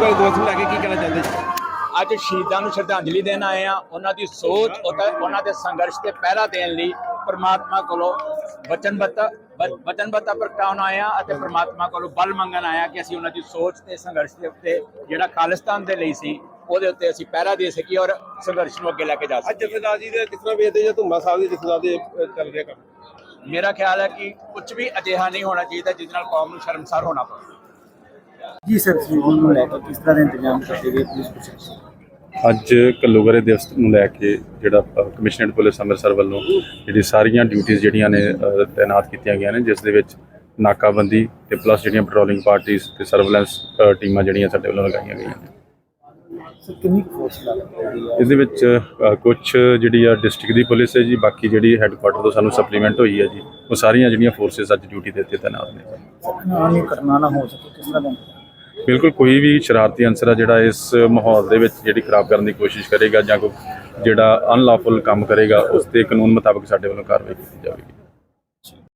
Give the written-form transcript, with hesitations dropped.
ਵਾਲੇ ਦਿਵਸ ਨੂੰ ਲੈ ਕੇ ਕੀ ਕਹਿਣਾ ਚਾਹੁੰਦੇ ਜੀ? ਅੱਜ ਸ਼ਹੀਦਾਂ ਨੂੰ ਸ਼ਰਧਾਂਜਲੀ ਦੇਣ ਆਏ ਆ। ਉਹਨਾਂ ਦੀ ਸੋਚ ਉਹਨਾਂ ਦੇ ਸੰਘਰਸ਼ ਤੇ ਪਹਿਰਾ ਦੇਣ ਲਈ ਪ੍ਰਮਾਤਮਾ ਕੋਲੋਂ ਵਚਨਬੱਧਤਾ ਪ੍ਰਗਟਾਉਣ ਆਏ ਆ ਅਤੇ ਪ੍ਰਮਾਤਮਾ ਕੋਲੋਂ ਬਲ ਮੰਗਣ ਆਏ ਆ ਕਿ ਅਸੀਂ ਉਹਨਾਂ ਦੀ ਸੋਚ ਤੇ ਸੰਘਰਸ਼ ਦੇ ਉੱਤੇ ਜਿਹੜਾ ਖਾਲਿਸਤਾਨ ਦੇ ਲਈ ਸੀ ਉਹਦੇ ਉੱਤੇ ਅਸੀਂ ਪਹਿਰਾ ਦੇ ਸਕੀਏ ਔਰ ਸੰਘਰਸ਼ ਨੂੰ ਅੱਗੇ ਲੈ ਕੇ ਜਾ ਸਕੀਏ। ਅੱਜ ਜਥੇਦਾਰ ਜੀ ਦੇ ਕਿਸ ਤਰ੍ਹਾਂ ਵੇਖਦੇ ਜਾਂ ਧੁੰਮਾ ਸਾਹਿਬ ਦੇ ਜਥੇਦਾਰ ਦੇ ਚੱਲ ਰਿਹਾ ਕੰਮ? ਮੇਰਾ ਖਿਆਲ ਹੈ ਕਿ ਕੁਝ ਵੀ ਅਜਿਹਾ ਨਹੀਂ ਹੋਣਾ ਚਾਹੀਦਾ ਜਿਸ ਨਾਲ ਕੌਮ ਨੂੰ ਸ਼ਰਮਸਾਰ ਹੋਣਾ ਪਵੇ। ਜੀ ਸਰ, ਸ਼ਹੀਦਾਂ ਨੂੰ ਲੈ ਕੇ ਕਿਸ ਤਰ੍ਹਾਂ ਦੇ ਇੰਤਜ਼ਾਮ ਕਰਦੇ ਗਏ ਪੁਲਿਸ ਪ੍ਰਸ਼ਾਸਨ? ਅੱਜ ਘੱਲੂਘਾਰੇ ਦਿਵਸ ਨੂੰ ਲੈ ਕੇ ਜਿਹੜਾ ਕਮਿਸ਼ਨਰੇਟ ਪੁਲਿਸ ਅੰਮ੍ਰਿਤਸਰ ਵੱਲੋਂ ਜਿਹੜੀ ਸਾਰੀਆਂ ਡਿਊਟੀਆਂ ਜਿਹੜੀਆਂ ਨੇ ਤੈਨਾਤ ਕੀਤੀਆਂ ਗਈਆਂ ਨੇ, ਜਿਸ ਦੇ ਵਿੱਚ ਨਾਕਾਬੰਦੀ ਤੇ ਪਲੱਸ ਜਿਹੜੀਆਂ ਪੈਟਰੋਲਿੰਗ ਪਾਰਟੀਆਂ ਤੇ ਸਰਵੇਲੈਂਸ ਟੀਮਾਂ ਜਿਹੜੀਆਂ ਸਾਡੇ ਵੱਲੋਂ ਲਗਾਈਆਂ ਗਈਆਂ ਨੇ। ਸਰ, ਕਿੰਨੀ ਫੋਰਸ ਲੱਗਦੀ ਹੈ ਇਹਦੇ ਵਿੱਚ ਕੁਝ ਜਿਹੜੀ ਆ ਡਿਸਟ੍ਰਿਕਟ ਦੀ ਪੁਲਿਸ ਹੈ ਜੀ, ਬਾਕੀ ਜਿਹੜੀ ਹੈੱਡਕੁਆਟਰ ਤੋਂ ਸਾਨੂੰ ਸਪਲੀਮੈਂਟ ਹੋਈ ਹੈ ਜੀ, ਉਹ ਸਾਰੀਆਂ ਜਿਹੜੀਆਂ ਫੋਰਸਿਸ ਅੱਜ ਡਿਊਟੀ ਦੇ ਉੱਤੇ ਤੈਨਾਤ ਨੇ। ਆਨੀ ਕਰਨਾ ਨਾ ਹੋ ਸਕੇ ਕਿਸ ਤਰ੍ਹਾਂ ਦਾ? ਬਿਲਕੁਲ, ਕੋਈ ਵੀ ਸ਼ਰਾਰਤੀ ਅਨਸਰ ਆ ਜਿਹੜਾ ਇਸ ਮਾਹੌਲ ਦੇ ਵਿੱਚ ਜਿਹੜੀ ਖਰਾਬ ਕਰਨ ਦੀ ਕੋਸ਼ਿਸ਼ ਕਰੇਗਾ ਜਾਂ ਕੋਈ ਜਿਹੜਾ ਅਨਲੌਫੁਲ ਕੰਮ ਕਰੇਗਾ, ਉਸ ਤੇ ਕਾਨੂੰਨ ਮੁਤਾਬਕ ਸਾਡੇ ਵੱਲੋਂ ਕਾਰਵਾਈ ਕੀਤੀ ਜਾਵੇਗੀ।